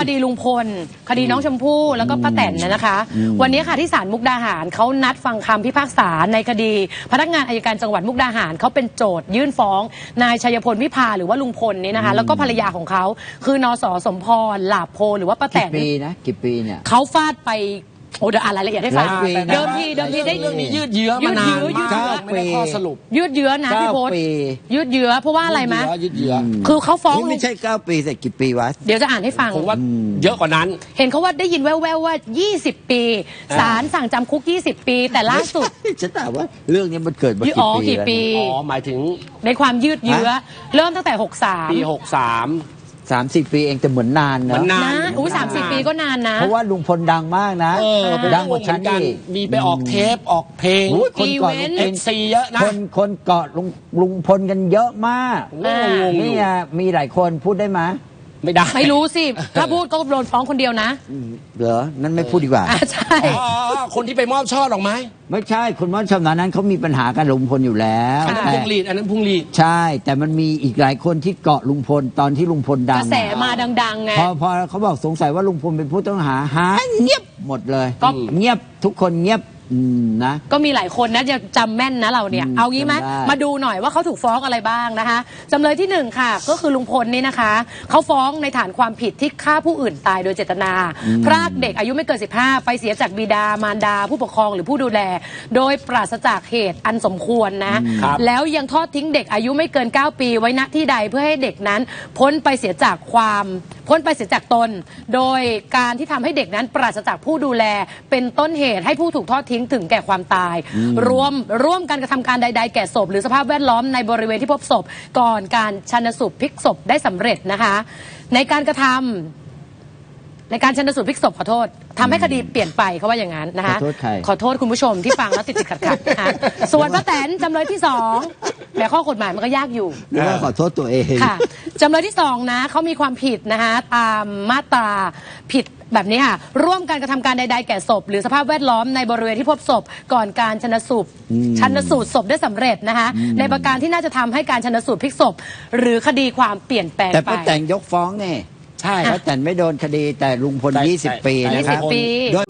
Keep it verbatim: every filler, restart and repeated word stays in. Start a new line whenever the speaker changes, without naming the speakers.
ดีลุงพลคดีน้องชมพู่แล้วก็ป้าแตนนะคะวันนี้ค่ะที่ศาลมุกดาหารเขานัดฟังคำพิพากษาในคดีพนักงานอัยการจังหวัดมุกดาหารเขาเป็นโจทยื่นฟ้องนายชัยพลวิภาหรือว่าลุงพลนี่นะคะแล้วก็ภรรยาของเขาคือนสสมพรหลาโพหรือว่าป้าแตน
กี่ปีนะกี่ปีเนี่ย
เขาฟาดไปโอ้เดี๋ยวอ่านรายละเอียดให้ฟังเดิมทีเดิมทีได้
เรื่องนี้ยืดเยื้อมานานมากไม่ได้ข้อสรุป
ยืดเยื้อนะพี่พศยืดเยื้อเพราะว่าอะไรมั้ย
ยืดเยื้อ
คือเขาฟ้อง
ไม่ใช่เก้าปีแต่กี่ปีวะ
เดี๋ยวจะอ่านให้ฟัง
ผมว่าเยอะกว่านั้น
เห็นเขาว่าได้ยินแว่วๆว่ายี่สิบปีศาลสั่งจำคุกยี่สิบปีแต่ล่าสุด
ฉันถามว่าเรื่องนี้มันเกิดมา
กี่ปี
อ๋อหมายถึง
ในความยืดเยื้อเริ่มตั้งแต่หกสาม
ปีหกสาม
สามสิบปีเองแต่เหมือนนานนะ
นานอู้สามสิบปีก็นานนะ
เพราะว่าลุงพลดังมากนะดังกว่าฉันนี่
มีไปออกเทปออกเพลง
คนเกาะลุงพล
ซีเยอะนะ
คนคนเกาะลุงลุงพลกันเยอะมากนี่มีหลายคนพูดได้ไหม
ไม่ได้
ไม่รู้สิถ้าพูดก็โดนฟ้องคนเดียวนะ
เหรอนั่นไม่พูดดีกว่า
ใช่
คนที่ไปมอบช่อดอกไม้
ไม่ใช่คนมอบช่อนั้นเขามีปัญหากันลุงพลอยู่แล้ว
อันนั้นพุงหลีดอันนั้นพุงหลีด
ใช่แต่มันมีอีกหลายคนที่เกาะลุงพลตอนที่ลุงพลดัง
กระแสมาดังๆไง
พอพอเขาบอกสงสัยว่าลุงพลเป็นผู้ต้องหาหายเงียบหมดเลยก็เงียบทุกคนเงียบนะ
ก็มีหลายคนนะจะจำแม่นนะเราเนี่ยเอางี้ไหมมาดูหน่อยว่าเขาถูกฟ้องอะไรบ้างนะคะจำเลยที่หนึ่งค่ะก็คือลุงพลนี่นะคะเขาฟ้องในฐานความผิดที่ฆ่าผู้อื่นตายโดยเจตนาพรากเด็กอายุไม่เกินสิบห้าไปเสียจากบิดามารดาผู้ปกครองหรือผู้ดูแลโดยปราศจากเหตุอันสมควรนะแล้วยังทอดทิ้งเด็กอายุไม่เกินเก้าปีไว้ณที่ใดเพื่อให้เด็กนั้นพ้นไปเสียจากความพ้นไปเสียจากตนโดยการที่ทำให้เด็กนั้นปราศจากผู้ดูแลเป็นต้นเหตุให้ผู้ถูกทอดทิ้งถึงแก่ความตายรวมร่วมกันกระทำการใดๆแก่ศพหรือสภาพแวดล้อมในบริเวณที่พบศพก่อนการชันสูตรพลิกศพได้สำเร็จนะคะในการกระทำในการชันสูตรพลิกศพขอโทษทำให้คดีเปลี่ยนไปเขาว่าอย่างนั้นนะคะ
ขอโทษใคร
ขอโทษคุณผู้ชมที่ฟังแล้วติดติดขัดขัดนะคะส่วนป้าแตนจำเลยที่สองแต่ข้อกฎหมายมันก็ยากอยู่
แล้วขอโทษตัวเอง
ค่ะจำเลยที่สองนะเขามีความผิดนะคะตามมาตราผิดแบบนี้ค่ะร่วมการกระทำการใดๆแก่ศพหรือสภาพแวดล้อมในบริเวณที่พบศพก่อนการชันสูตรชันสูตรศพได้สำเร็จนะคะในประการที่น่าจะทำให้การชันสูตรพลิกศพหรือคดีความเปลี่ยนแปลงไป
แต่ป้าแตนยกฟ้องเนี่ยใช่ป้าแตนไม่โดนคดีแต่ลุงพลยี่สิบปีนะครับโดย